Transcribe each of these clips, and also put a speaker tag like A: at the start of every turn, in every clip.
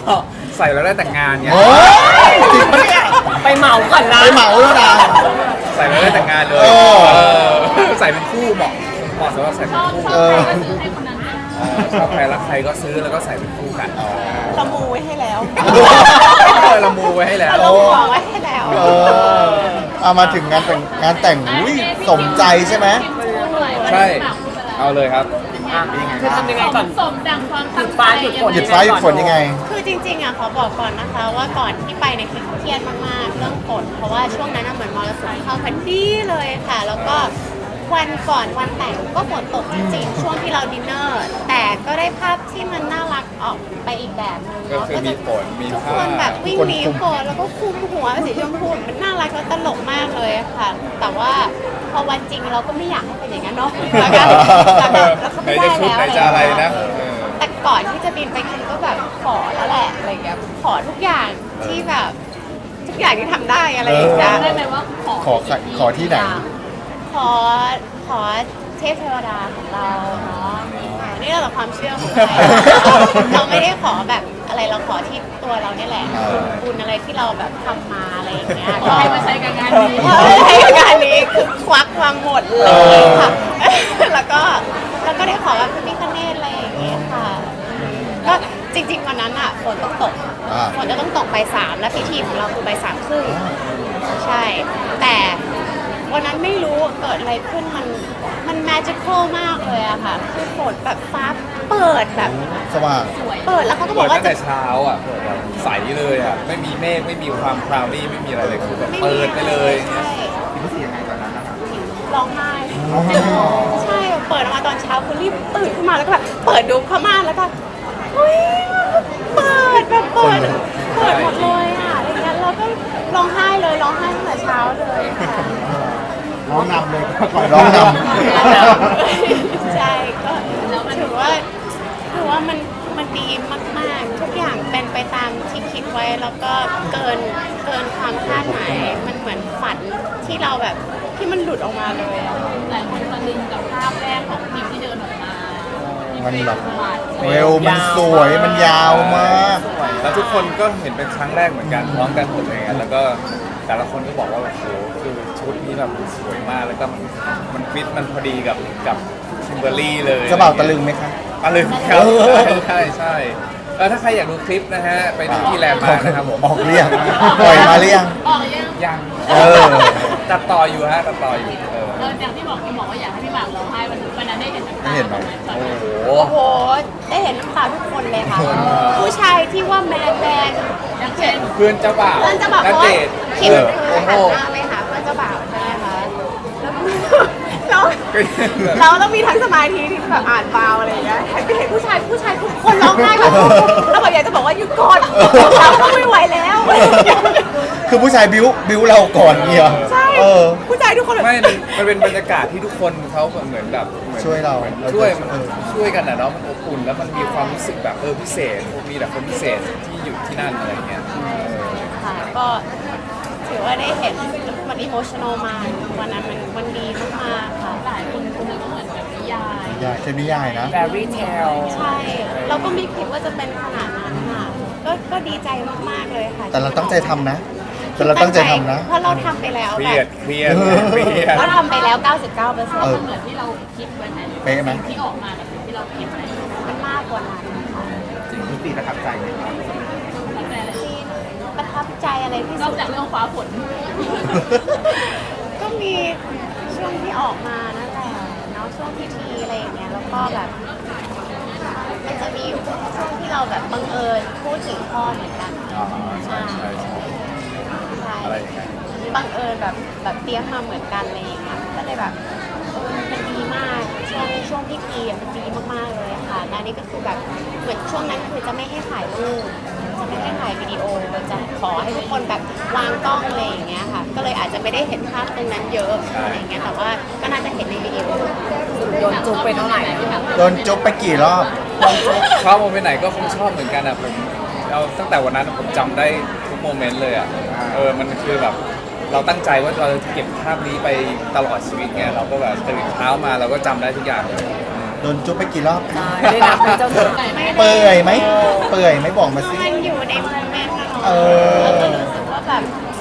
A: ใส่แล้วได้แต่งงานไง
B: โอ้ยจริงปะเนี่ย
C: ไปเหมาก่อนนะ
B: ไปเหมาแล้วนะ
A: ใส่แล้วได้แต่งงานเลย
B: เออ
A: ใส่เป็นคู่เหมาะสำหรับใส่เป็นคู่
B: เออ
A: ชอบใครรักใครก็ซื้อแล้วก็ใส่เป็นคู่กัน
D: เรามูไว้ให้แล้ว
A: เรามูไว้ให้แล้ว
D: เราลงของไว้ให้แล้ว
B: เออเอามาถึงงานแต่งอุ้ยสมใจใช่ไหม
A: ใช่เอาเลยครับ
C: คือทำยังไงก่อน
E: สมดังความ
C: หยุดฟ้าหยุดฝน
B: หยุดฟ้าหยุดฝนยังไง
D: คือจริงๆอ่ะขอบอกก่อนนะคะว่าก่อนที่ไปเนี่ยคือเครียดมากๆเรื่องฝนเพราะว่าช่วงนั้นน่ะเหมือนมรสุมเข้าพอดีเลยค่ะ แล้วก็วันก่อนวันแต่งก็ฝนตกจริงๆช่วงที่เราดินเนอร์ แต่ก็ได้ภาพที่มันน่ารักออกไปอีกแบบนึง
A: ก็
D: เนาะ
A: คือมีฝนมี
D: ทุก
A: ผ้า
D: คนแบบวิ่งหนี
B: ทุกคน
D: ฝนแล้วก็คลุมหัวเป็นสีชมพูมันน่ารักแล้วตลกมากเลยค่ะ แต่ว่าพอวันจริงเราก็ไม่อยากให้เป็นอย่างนั้นเนาะแล้วก็แล้วก็
A: ไหน
D: ไม่ได้
A: จะชุด
D: แล้ว
A: ไหนจะอะไรนะเออ
D: แต่ก่อนที่จะบินไปคิมก็แบบขอแล้วแหละอะไรเงี้ยขอทุกอย่างที่แบบทุกอย่างที่ทำได้อะไรอย่างเงี้ย
E: ได้ไหมว่า
B: ขอที่ไหน
D: ขอเทพเทวดาของเราเนาะนี่เราแต่ความเชื่อของใครเราไม่ได้ขอแบบอะไรเราขอที่ตัวเราเนี่ยแหละบุญอะไรที่เราแบบทำมาอะไรอย่างเงี้ย
E: ขอให้มาใช้กับงานนี้
D: ใช้กับงานนี้คือควักมาหมดเลยค่ะแล้วก็ได้ขอแบบพระพิฆเนศอะไรอย่างเงี้ยค่ะก็จริงๆวันนั้นอ่ะฝนต้องตก ฝนจะต้องตกบ่ายสามและพิธีของเราคือบ่ายสามครึ่งใช่ แต่วันนั้นไม่รู้เกิดอะไรขึ้นมันแมจิคอลมากเลยอะค่ะคือฝนแบบฟ้าเปิดแบบ
B: สว่าง
D: เปิดแล้วเขาก็บ
A: เปิ
D: อ
A: ด
D: กว่า
A: ตั้งแต่เช้าอ่ะเปิดแบบใสเลยอ่ะไม่มีเมฆไม่มีความคลาวดี้ไม่มีอะไรเลยคือแบบ
D: ไม่มี
A: เปิดไปเลย
D: ใช่
A: รู้สึกยังไงตอนนั้นนะครับ
D: ร้องไห้ใช่เปิดออกมาตอนเช้าคือรีบตื่นขึ้นมาแล้วก็แบบเปิดดูผ้าม่านแล้วก็เฮ้ยเปิดแบบเปิดหมดเลยอะอะไรเงี้ยแล้วก็ร้องไห้เลยร้องไห้ตั้งแต่เช้าเลยค่ะ
B: ร้องนำเลยร้องนำ
D: ใช่ก็ถือว่ามันดีมากๆ ทุกอย่างเป็นไปตามที่คิดไว้แล้วก็เกินความคาดหมายมันเหมือนฝันที่เราแบบที่มันหลุดออกมาเลยอะ
E: หลายคนตะลึงกับภาพแรกของพิมที่เดินออกมา
B: มันแบบเวลมันสวยมันยาวมาก
A: แล้วทุกคนก็เห็นเป็นครั้งแรกเหมือนกันพร้อมกันหมดเลยไงแล้วก็แต่ละคนก็บอกว่าโอ้โหคือชุดนี้แบบสวยมากแล้วก็มันฟิตมันพอดีกับคิมเบอร์รี่เลย
B: เจะบ่าวตะลึงไหมคะ
A: ตะลึงครับใช่ถ้าใครอยากดูคลิปนะฮะไปดูที่แลนด์มาร์คนะครับผม
B: ออกเรียงปล่อยมาเรียง
E: ออกยัง
A: ยัง
B: เออ
A: ตัดต่ออยู่ฮะตัดต่ออยู่
E: อย่างที่บอกพิมบอกว่าอยากให้พี่หมากร้องไห้วันนั้นได้เห็นน้ำตา
B: ได้เห็นไหม
A: โอ้โห
D: โอ้โห ได้เห็นน้ำตาทุกคนเลยค่ะ ผู้ชายที่ว่าแมน
E: อย่างเช่น
A: เพื่อนเจ้าบ่าว
D: เพื่อนเจะบอก
A: ณ
D: ว่า
A: เดชน์
D: คิม
A: โอ้
D: คือ
A: โห
D: หันหน้าไปหาเพื่อนเจ้าบ่าวใช่ไหมคะแล้วเราต้องมีทั้งสมาธิที่แบบอ่านฟาวอะไรอย่างเงี้ยเห็นผู้ชายทุกคนร้องไห้แบบแล้วแบบอยากจะบอกว่าหยุดก่อนเราก็ไม่ไหวแล้ว
B: คือผู้ชายบิ้วเราก่อนเนี่ย
D: ใช่
B: เออ
D: ผู้ชายทุกคนแบบ
A: ไม่มันเป็นบรรยากาศที่ทุกคนเขาเหมือนแบบหมือน
B: ช่วยเรา
A: ช่วยมัน
B: เออ
A: ช่วยกันนะเนาะมันอบอุ่นแล้วมันมีความรู้สึกแบบพิเศษมีแต่คนพิเศษที่อยู่ที่นั่นอะไรเงี้ย
D: ค่ะก็ถือว่าได้เห็นมันอิโมชั่นอลมากวันนั้นมันดีมากๆค่ะ
E: หลายคนคงนึกว่าเหมือนแบบนิยาย
B: ยายใช่นิยายนะ
C: fairy tale
D: ใช่ เราก็ไม่คิดว่าจะเป็นขนาดนั้นค่ะก็ดีใจมากๆเลยค่ะ
B: แต่เราตั้งใจทำนะ แต่เราตั้งใจทำนะ
D: เพราะเราทำไปแล้ว
A: เค
D: แบ
A: รียด
D: บ
A: เครียดเครียด
D: เราทำไปแล้ว 99%
B: เออ
E: มันเหมือนที่เราคิดไว้ไหม
B: เป๊ะไหม
E: สิ่งที่ออกมากับสิ่งที่เราคิดไหม
D: มันมากกว่านั้นค่ะ
A: คุณตีประทับใจไหมครับ
E: แต่ละ
D: ที่ประทับใจอะไรที่
E: นอ
D: สุ
E: ก
D: ด
E: จากเรื่องฟ้าฝน
D: ก็มีช่วงที่ออกมานั่นแหละเนาะช่วงพิธีอะไรอย่างเงี้ยแล้วก็แบบมันจะมีช่วงที่เราแบบบังเอิญพูดถึงพ่อเหมือนกัน
A: อ๋อใช่ใช่ใช่
D: ใช่
A: อะไรอย่างเงี้ย
D: บังเอิญแบบเตรียมมาเหมือนกันอะไรอย่างเงี้ยก็เลยแบบมันดีมากช่วงพิธีอะมันดีมากๆเลยค่ะและนี่ก็คือแบบเหมือนช่วงนั้นคือจะไม่ให้ถ่ายรูปจะไม่ให้ถ่ายวิดีโอจะขอให้ทุกคนแบบวางกล้องอะไรอย่างเงี้ยค่ะ ก็เลยอาจจะไม่ได้เห็นภาพตรงนั้นเยอะอะไรอย่างเงี้ยแต่ว่าก็น่าจะเห็นในวิดีโอ
C: โดนจุ๊บไปเท่าไหร่
B: โดนจุ๊บไปกี่รอบ
A: ชอบโมเมนต์ไหนก็คงชอบเหมือนกันอ่ะผมเอาตั้งแต่วันนั้นผมจำได้ทุกโมเมนต์เลยอ่ะมันคือแบบเราตั้งใจว่าเราจะเก็บภาพนี้ไปตลอดชีวิตไงเราก็แบบตื่นเช้ามาเราก็จำได้ทุกอย่างเลย
B: โดโดนจุ๊บไปกี่รอบ
C: ใช่ได้นับเป็นเจ้าสาว
B: เปื่อยไหมเปื่อยไหมบอกมาสิ
D: มันอยู่ในโมเมนต์นะเนาะ
B: เออ
D: แล้วก็รู้สึกว่าแบบ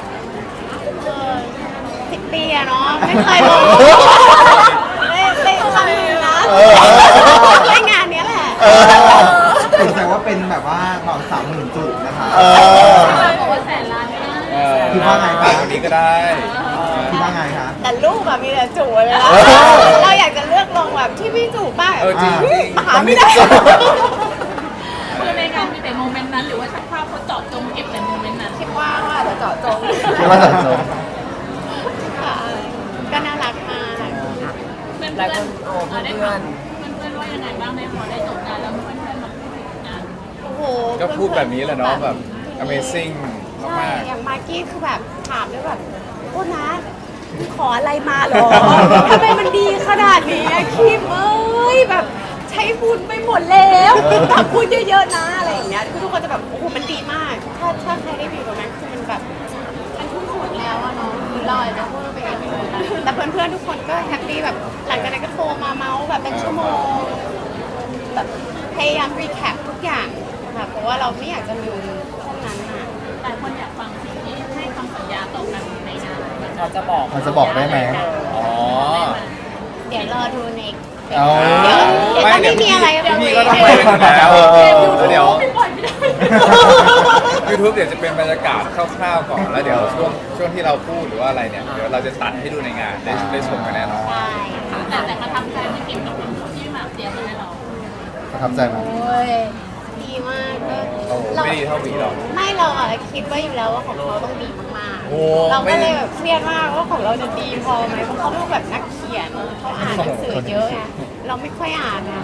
D: 10 ปีอะเนาะไม่เคยลงเล่นครั้งนึงนะ
B: เออ
D: เล่นงานเนี้ยแหละ
B: เออ
F: แสดงว่าเป็นแบบว่าเหมา30,000 จุดนะคะ
B: เออ
E: บอกว่าแสนล้านไม่ได้
F: คิดว่าไง
A: มากกว่านี้ก็ได้
F: คิดว่าไงคะ
D: แต่รูปแบบมีแต่จูบเลยนะ
B: เออ
D: เราอยากจะเลือกลงแบบที่พี่จูบบ้าง
A: จริง
D: หาไม่ได้
E: คือในงานมีแต่โมเมนต์นั้นหรือว่าช่างภาพเขาเจาะจงเก็บแต่โมเมนต์นั้น
D: คิดว่าจะเจาะจง
B: คิดว่าจะจบ
D: ค่ะก็น่ารักมาก
E: เพื่อน
C: หลาย
E: เพื่
C: ค
E: อน
C: นโอ้
E: ได้
C: เพื่
E: ฟั
C: อง น
E: เพื่อนว่ายังไงบ้างในพอได้จบงานแล้วเพื่อนๆมาพูดถึงงาน
D: โอ้โห
A: ก็พูดแบบนี้แหละเนาะแบบ amazing
D: ใช่
A: มาก
D: อย่างมากกี้คือแบบถามด้วยแบบโทษนะขออะไรมาเหรอทำไมมันดีขนาดนี้อะคิมเอ้ยแบบใช้บุญไปหมดแล้วทำบุญเยอะๆนะอะไรอย่างเงี้ยคือทุกคนจะแบบโอ้โหมันดีมาก ถ้าใครได้ไปตรงนั้นคือมันแบบมันทุ่มสุดแล้วอะเนาะคือเราอาจจะพูดไปเองแต่เพื่อนๆทุกคนก็แฮปปี้แบบหลังจากนั้นก็โทรมาเมาส์แบบเป็นชั่วโมงแบบพยายามรีแคปทุกอย่างค่ะเพราะว่าเราไม่อยากจะลืมพวกนั้นอะ
E: หลายคนอยากฟังสิ่งที่ให้คำสัญญาต่อกันในงาน
C: เราจะบอก
B: มันจะบอกได้ไหม
A: ๆ อ๋อ
D: เดี๋ยวรอดูใน
B: เอา
D: เดี๋ยวถ้าไม่มีอะไร
A: พี่ก็ต้องไปกันอยู่แล้ว
B: เออ
A: แล้วเดี๋ยว
E: ไม่ปล่อยไม่ได้
A: YouTube เดี๋ยวจะเป็นบรรยากาศคร่าวๆก่อนแล้วเดี๋ยวช่วงที่เราพูดหรือว่าอะไรเนี่ยเดี๋ยวเราจะตัดให้ดูในงานได้ชมกันแน่นอน
D: ใช่ค่ะ
E: แต่ประทับใจที่เก็บกับที่หมากเตรียมมาให้เรา
B: ประทับใจไหม
D: โอ้ยดีมากก็
A: โอ้โหไม่ดีเท่าวีหรอก
D: ไม่เราอะคิดไว้อยู่แล้วว่าของเขาต้องดีมาก
A: โอ้
D: ๆ เรา
A: ไม่
D: ก็เลยแบบเครียดมากว่าของเราจะดีพอไหมเพราะเขาเป็นแบบนักเขียนเขาอ่านหนังสือเยอะไงเราไม่ค่อยอ่านนะ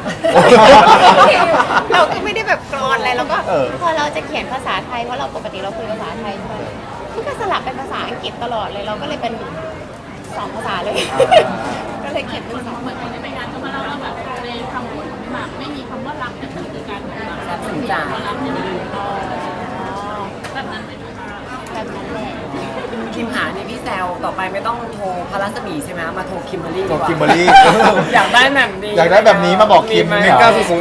D: เราก็ไม่ได้แบบกรอนอะไรเราก็พอเราจะเขียนภาษาไทยเพราะเราปกติเราคุยภาษาไทยใช่ไหมมันก็สลับเป็นภาษาอังกฤษตลอดเลยเราก็เลยเป็น2 ภาษาเลย ก็เลยเขียนเป็น2
E: เหมือนคนที่ไปงานก็มาเล่าว่าแบบในคำพูดของพี่หมากไม่มีคำว่ารักแต่คือการบอกรัก
C: รับสินจ่า
E: รักเนี่ยแบบนั้นเป็น
D: แบบนั้นแหละ
C: คิมหานี่พี่แซวต่อไปไม่ต้องโทรพระรัศมีใช่ไหมมาโทรคิมเบอรรี่
B: ตัว
C: ดีกว่า
B: คิมเบอรรี่
C: อยากได้แบบนี้
B: อยากได้แบบนี้มาบอกคิม
C: ไหม
B: เนี่ย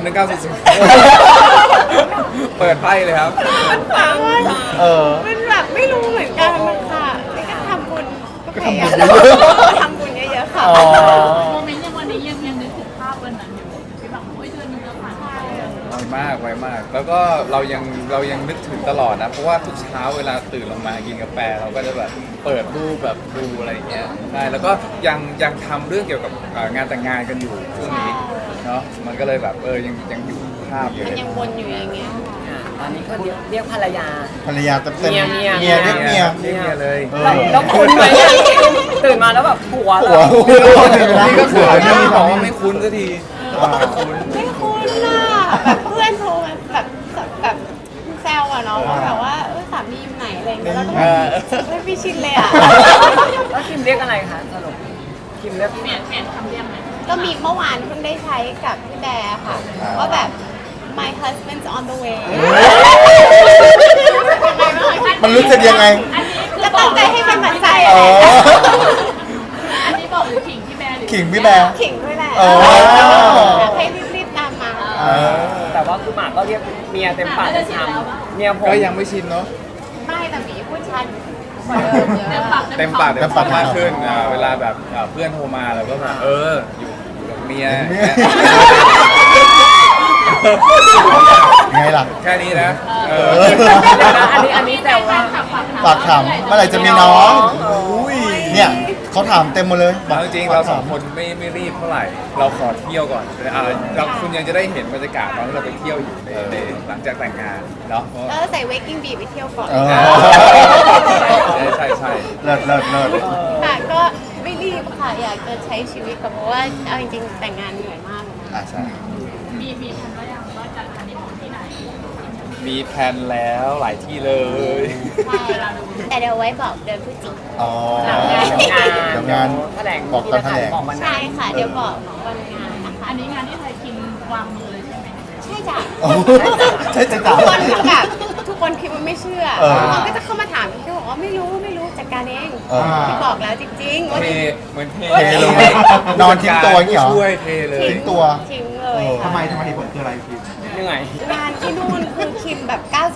A: 1900เปิดไพ่เลยครับ
D: มันฟังว่า
B: เออ
D: มันแบบไม่รู้เหมือนกันค่ะไม่ก็ทำบุญก็พยายามทำบุญเยอะๆค่ะ
B: อ๋อ
E: โมเมนต์ยังวันนี้ยังนึกถึงภาพวันนั้นอยู่พี่หมากบอกว่าเดือนนึงแล้วผ่านไป
A: ไวมาก แล้วก็เรายังนึกถึงตลอดนะ เพราะว่าทุกเช้าเวลาตื่นลงมากินกาแฟเราก็จะแบบเปิดรูปแบบดูอะไรอย่างเงี้ยใช่แล้วก็ยังทำเรื่องเกี่ยวกับงานแต่งงานกันอยู่ช่วงนี้เนาะมันก็เลยแบบยังอยู่ภาพอยู่
D: มัน
A: เลย
D: ยังวนอยู่อย่างเงี้ยค่ะ
C: อ่ะตอนนี้ก็เรียกภรรยา
B: ภรรยาเต็ม
C: เมีย
B: เมียเรียกเมีย
A: เรียกเมียเลย
B: เออ
C: แล้วคุ้นไหมอะตื่นมาแล้วแบบผัว
B: ผัว
C: เรา
A: นี่ก็เขินนี่บอกว่าไม่คุ้นสักทีไม่คุ้น
D: ไม่คุ้นน่ะแบบเพื่อนโทรมาแบบแซวอะเนาะว่าแบบว่าสามีอยู่ไหนอะไรอย่างเงี้ยเราก็แบบไม่พี่ชินเลยอะ
C: แล้วคิมเรียกอะไรคะสรุปคิมเรียก
E: เปลี่ยนคำเรียกไหม
D: ก็มีเมื่อวานเพิ่งได้ใช้กับพี่แบร์ค่ะว่าแบบ my husband's on the way
B: มันรู้สึกยังไง
E: อันนี้คือ
D: ก็
E: บอ
D: ตั้
E: ก
D: งใจให้เป็นหมันใจ
B: อ๋อ
E: อันนี้บอกหรือขิงพี่แบร์หรือ
B: ขิงพี่แบร์
D: ขิงด้วยแหละ
B: อ๋อ
D: ให้รีบๆตามมา
B: เออ
C: แต่ว่าคือหมากก็เรียกเมียเต็มปากเต็มคำเมียผม
A: ก็ยังไม่ชินเนาะ
D: ไม่แต่หมีพูดชัดกว่าเดิมเย
E: เต็ม
D: อะ
E: ปาก
A: เต็มปาก
B: เต็มปาก
A: มากขึ้นเวลาแบบเพื่อนโทรมาเราก็แบบอยู่กับเมีย
B: ไงล่ะ
A: แค่นี้นะ
C: เดี๋ยวนะอันนี้แต่ว่า
B: ฝากถามเมื่อไหร่จะมีน้องอุ้ยเนี่ยเขาถามเต็มหมดเลย
A: เอาจริงๆเราสองคนไม่รีบเท่าไหร่ เราขอเที่ยวก่อนเราคุณยังจะได้เห็นบรรยากาศตอนที่เราไปเที่ยวอยู่ในหลังจากแต่งงานเนาะ
D: แล้วใส่ waking bee ไปเที่ยวก่อน
B: เออ
A: ใช่
B: เลิศเลิศ
D: ค่ะก็ไม่รีบค่ะอยากจะใช้ชีวิตกับเพราะว่าเอาจริงๆแต่งงานเหนื่อยมาก
B: อ่ะใช่
E: มีทันว่ายังว่าจัดฮันนีมูนที่ไหน
A: มีแพลนแล้วหลายที่เลย
D: ใช่แต่เดี๋ยวไว้บอกเดือนพฤศจิกายน
B: อ๋อ
C: เดี๋ยวงาน
B: แถลง
C: แถลง
B: บอกตอนแถลง
C: บอกวันนั้
D: ใช่
C: น
D: ค่ะเดี๋ยวบอกวันงานนะคะ
E: อันนี้งานที่ไทยคิมวางมือเลยใช่ไหม
D: ใช่จ้ะ
B: โอ้ใช่จ้ะ
D: ทุกคนคือแบบทุกคนคิดว่าไม่เชื่อ
B: เออ
D: เขาก็จะเข้ามาถามพี่บอกว่าไม่รู้จัดการเอง
B: เออ
D: พี่บอกแล้วจริงๆว่า
A: เทเหมือนเท
B: เทลงไปนอนทิ้งตัวอย่างงี้เหรอ
A: ช่วยเทเลย
B: ทิ้งตัว
D: ทิ้งเลเลยค่ะ
F: ทำไมเหตุผลคืออะไรพี่
C: เหนื่อย
D: งานที่นู่นคือคิมแบบ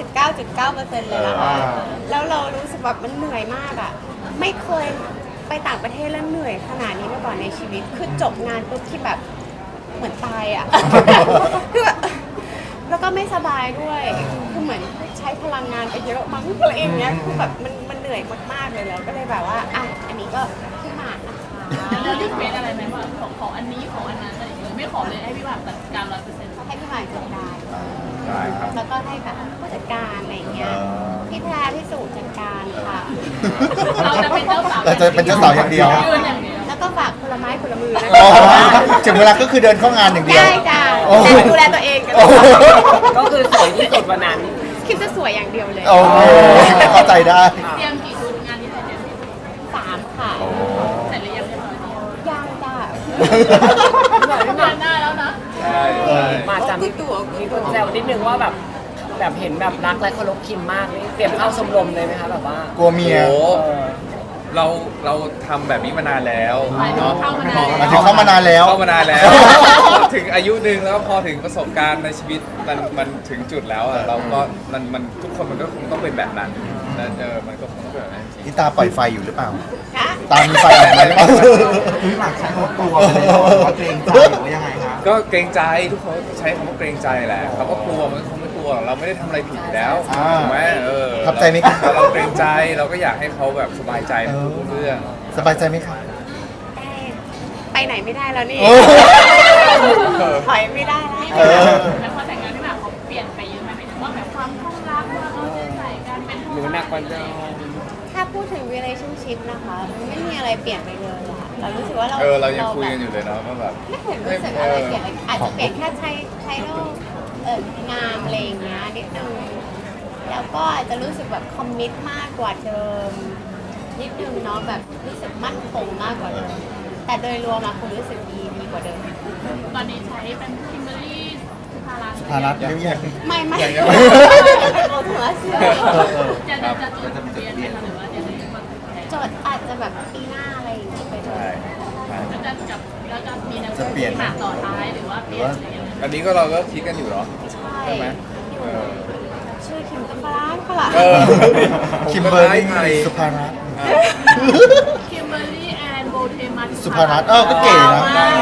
D: 99.9% เลยนะคะ แล้วเรารู้สึกแบบมันเหนื่อยมากอ่ะ ไม่เคยไปต่างประเทศแล้วเหนื่อยขนาดนี้มาก่อนในชีวิต คือจบงานปุ๊บคิมแบบเหมือนตายอ่ะ คือแบบแล้วก็ไม่สบายด้วย คือเหมือนใช้พลังงานไปเยอะมั้งอะไรอย่างเงี้ย คือแบบมันเหนื่อยมากๆเลยแล้วก็เลยแบบว่าอ่ะอันนี้ก็ขึ้นมานะคะ
E: แล้วรีเควสอะไรไหมว่าขออันนี้ขออันนั้นอะไรอย่างเงี้ยไม่ขอเลยให้พี่หมากจัดการ100%
D: ให้พี่หมายจัดการ
A: ได้ครับ
D: แล้วก็ให้แบบผู้จัดการอะไรอย่างเงี้ย พี่แพรพี่สุจัดการค่ะ
E: เราจะเป็นเจ้าสาว
B: เราจะเป็นเจ้าสาวอย่างเดียว
E: ยืนอย่างเดียว
D: แล้วก็ฝากคนละไม้คนละมือนะ
B: อ๋อ
D: คะ
B: ถึงเวลาก็คือเดินเข้างานอย่างเดียว
D: ได้จ้า
B: โอ้
D: แต่ดูแลตัวเองกัน
B: โอ้
C: ก็คือสวยที่สุดวันนั้น
D: คิมจะสวยอย่างเดียวเลย
B: โอเคเข้าใจได้
E: เตรียมกี่ชุดงานที่ไทยเตรียมกี่ชุด
D: 3 ค่ะ
E: เสร็จหรือยังเรียบร้อยดี
D: ยังจ้า
E: ประมาณหน้าแล้วนะ
A: ใช่ใช่
C: มาจำมีคนแซวนิดนึงว่าแบบเห็นแบบรักและเคารพคิมมากนี่เตรียมเข้าชมรมเลยไหมคะแบบว่า
B: กลัวเมีย
A: โอ้
C: เออ
A: เราทำแบบนี้มานานแล้ว
E: หมายถึงเข้ามานาน
B: หมายถึงเข้ามานานแล้ว
A: เข้ามานานแล้ว ถึงอายุหนึ่งแล้วพอถึงประสบการณ์ในชีวิตมันถึงจุดแล้วอ่ะเราก็มันทุกคนมันก็คงต้องเป็นแบบนั้นแล้วมันก็คงต้องเป็นแบบนั้นจริง
B: นี่ตาปล่อยไฟอยู่หรือเปล่า
D: คะ
B: ตามีไฟออกมาหรือเปล่า
F: พี่หมากใช้คำว่ากลัวไปเลยหรือว่าเกรงใจหรือว่ายังไงคะ
A: ก็เกรงใจทุกคนใช้คำว่าเกรงใจแหละเขาก็กลัวมันคงไม่กลัวหรอกเราไม่ได้ทำอะไรผิดอยู่แล้ว
B: อ่า
A: ถูกไหม
B: ทับใจไหมครับ
A: เราเกรงใจเราก็อยากให้เขาแบบสบายใจในทุกเรื่อง
B: สบายใจไหมครับ
D: ไปไหนไม่ได้แล้วนี่
B: โอ้
D: ถอยไม่ได้แล้ว
B: เออ
E: แล้วพอแต่งงานพี่หมากเขาเปลี่ยนไปเยอะไหมหมายถึงว่าแบบความคล่องรักว่าเขาจะใส่กันเป็น
C: หรือหนักกว่าเดิม
D: ถ้าพูดถึง relationship นะคะมันไม่มีอะไรเปลี่ยนไปเลยอะเรารู้สึกว่าเรา
A: เรายังคุยกันอยู่เลยเนาะว่าแบบ
D: ไม่เห็นรู้สึกอะไรเปลี่ยนเลยอาจจะเปลี่ยนแค่ใช้โลกงามอะไรอย่างเงี้ยนิดนึงแล้วก็อาจจะรู้สึกแบบคอมมิตมากกว่าเดิมนิดนึงเนาะแบบรู้สึกมั่นคงมากกว่าเดิมแต่โดยรวมอะคุณรู้สึกดีกว่าเดิม
E: ตอนนี้ใช้เป็นคิมเบอรี่สุภารัตน์
B: ภารัตเรียกยัง
D: ไม่ไม่
A: อย่างเงี้ย
D: เอาหัวเสื้อ
E: จะจดทะเบียนไหมคะหรือว่าจะได้มาแต่ง
D: จดอาจจะแบบปีหน้าอะไรอย่างเงี้ยไปเล
A: ใช่
D: ย
A: ใช่
E: แล้วจะมีแนว
B: จะเปลี่ยน
E: หมากต่อท้ายหรือว่าเปลี่ยนอะไรอย่างเงี้ย
A: อันนี้ก็เราก็คิดกันอยู่เนาะ
D: ใช่
A: ใช่ไหม
D: อยู่
A: เออ
D: ชื่อคิมกัมปลาก็ล่ะ
A: เออ
B: คิมเบอร์รี่
A: ไทย
B: สุภารัตน์
E: คิมเบอร์รี่แอนโบเทมัส
B: สุภารัตน์ก็เก๋นะ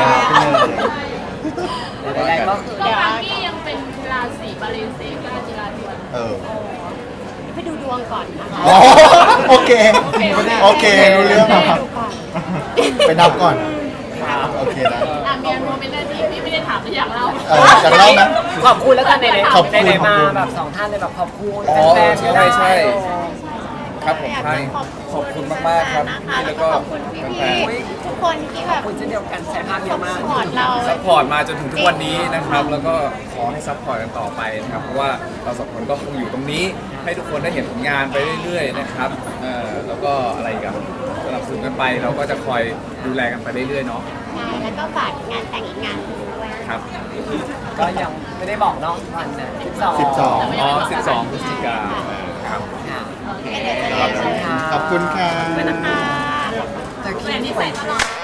C: ใดๆก็คือ
E: ก็บางที่ยังเป็นราศีบาเลนเซกาจิราธิวัฒน์
B: เออ
D: ไปดูดวงก่อนนะคะ
B: อ๋อโอเค โอเครู้เรื่อง
D: ไปดูก่อน
B: ไปนับก่อน โอเคนะ
E: มีอันโมเป็นหน้าที่พี่ไม่ได้ถามแต่อยากเล่า
B: อยากเล่าไหม
C: ขอบคุณแล้วกันใน
B: ขอบคุณ
C: ในมาแบบสองท่านเลยแบบขอบคุณ
A: อ๋อ
C: แฟนๆก็ได้
A: ใช่ ครับผมใช่ขอบคุณมากๆครับ
D: นะคะ
A: แล้
D: แล้ว
A: ว
D: ก็
A: ก็
D: ขอบคุณพี่
A: แฟน
D: ๆทุกคนที่แบบ
C: ขอบคุณเช่นเดียวกันใช้ภาพเยอะมาก
D: สปอร์ตเรา
A: ซัพพอร์ตมาจนถึงทุกวันนี้นะครับ แล้วก็ขอให้ซัพพอร์ตกันต่อไปนะครับ เพราะว่าเราสองคนก็คงอยู่ตรงนี้ ให้ทุกคนได้เห็นผลงานไปเรื่อยๆนะครับแล้วก็อะไรกันสนับสนุนกันไป เราก็จะคอยดูแลกันไปเรื่อยๆเนาะ
D: ใช่แล้วก็ฝากงานแต่งอีกงานหนึ่งด้วย
A: ครับ
C: ก็ยังไม่ได้บอกเนาะวันนะ12
B: 12
A: อ๋อ 12 พฤศจิกายนครับ
C: ค่ะ
D: ก็เดี๋ยวจะเรียนเชิญ
B: ขอบคุณค่ะ
C: ไปนะคะ
D: ค่ะ
C: แต่คิ
E: แต่
C: ม
E: นี่
C: สว
E: ใส่
C: ย
E: ตลอด